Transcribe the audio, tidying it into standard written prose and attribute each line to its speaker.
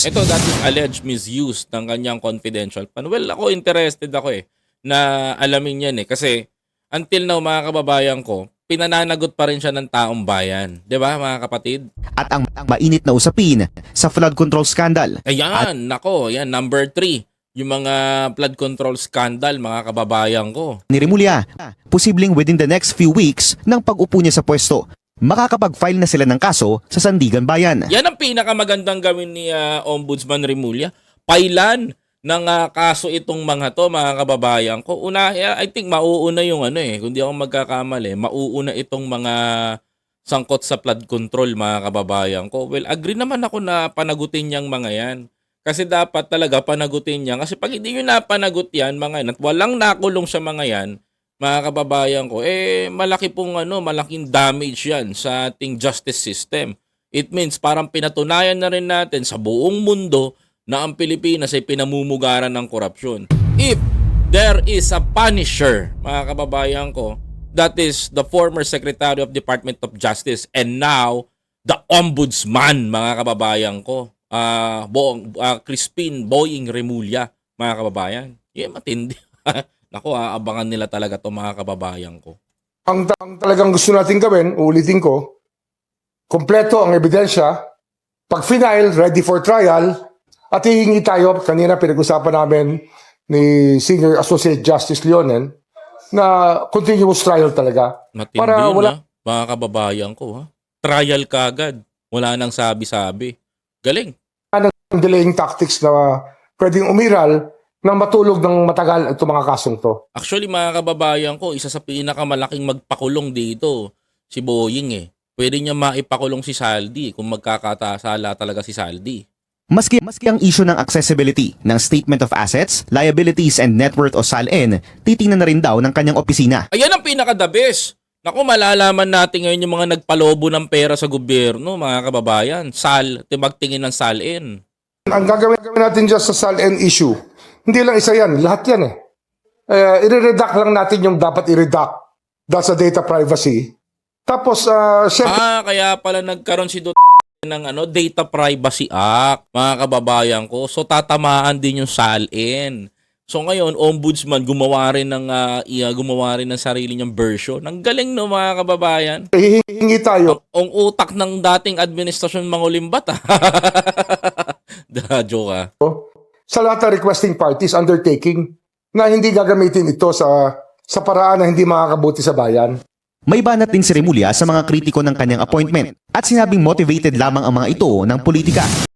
Speaker 1: Ito, that is alleged misuse ng kanyang confidential fund. Well, ako interested ako na alamin yan Kasi until now, mga kababayan ko, pinananagot pa rin siya ng taong bayan. 'Di ba, mga kapatid?
Speaker 2: At ang mainit na usapin sa flood control scandal.
Speaker 1: Ayan, nako, yan, number 3. Yung mga flood control scandal, mga kababayan ko.
Speaker 2: Ni Remulla, posibleng within the next few weeks ng pag-upo niya sa pwesto, makakapag-file na sila ng kaso sa Sandigan Bayan.
Speaker 1: Yan ang pinakamagandang gawin ni Ombudsman Remulla. Pailan ng kaso itong mga to, mga kababayan ko. I think mauuna yung kung di ako magkakamali, mauuna itong mga sangkot sa flood control, mga kababayan ko. Well, agree naman ako na panagutin niyang mga yan. Kasi dapat talaga panagutin niya. Kasi pag hindi nyo napanagot yan, mga yan, at walang nakulong sa mga yan, mga kababayan ko, malaki pong malaking damage yan sa ating justice system. It means parang pinatunayan na rin natin sa buong mundo na ang Pilipinas ay pinamumugaran ng korupsyon. If there is a punisher, mga kababayan ko, that is the former Secretary of Department of Justice and now the Ombudsman, mga kababayan ko. Crispin Boying Remulla, mga kababayan. Matindi. Naku, abangan nila talaga to, mga kababayan ko.
Speaker 3: Ang talagang gusto natin gawin, uulitin ko, kompleto ang ebidensya, pag final, ready for trial, at hihingi tayo, kanina pinag-usapan namin ni Senior Associate Justice Leonen, na continuous trial talaga.
Speaker 1: Matindi
Speaker 3: para
Speaker 1: yun,
Speaker 3: wala
Speaker 1: mga kababayan ko. Trial kagad. Wala nang sabi-sabi. Galing.
Speaker 3: ng delaying tactics na pwedeng umiral nang matulog ng matagal itong mga kasong to.
Speaker 1: Actually, mga kababayan ko, isa sa pinakamalaking magpakulong dito, si Boying Pwede niya maipakulong si Saldi kung magkakatasala talaga si Saldi.
Speaker 2: Maski ang issue ng accessibility ng Statement of Assets, Liabilities and Net Worth o SALN, titingnan na rin daw ng kanyang opisina.
Speaker 1: Ayan ang pinaka-the best. Naku, malalaman natin ngayon yung mga nagpalobo ng pera sa gobyerno, mga kababayan. Magtingin ng SALN.
Speaker 3: Ang gagawin natin dyan sa SALN issue, hindi lang isa yan, lahat yan i-redact lang natin yung dapat i-redact dahil sa data privacy. Tapos, syempre,
Speaker 1: Kaya pala nagkaroon si ng Data Privacy Act, mga kababayan ko. So tatamaan din yung SALN. So ngayon, Ombudsman gumawa rin ng sarili niyang version. Ang galing no, mga kababayan.
Speaker 3: hihingi tayo
Speaker 1: Ang utak ng dating administrasyon Mangulimbat. Joke
Speaker 3: sa lahat ng requesting parties undertaking na hindi gagamitin ito sa paraan na hindi makakabuti sa bayan.
Speaker 2: May banat din si Remulla sa mga kritiko ng kanyang appointment at sinabing motivated lamang ang mga ito ng politika.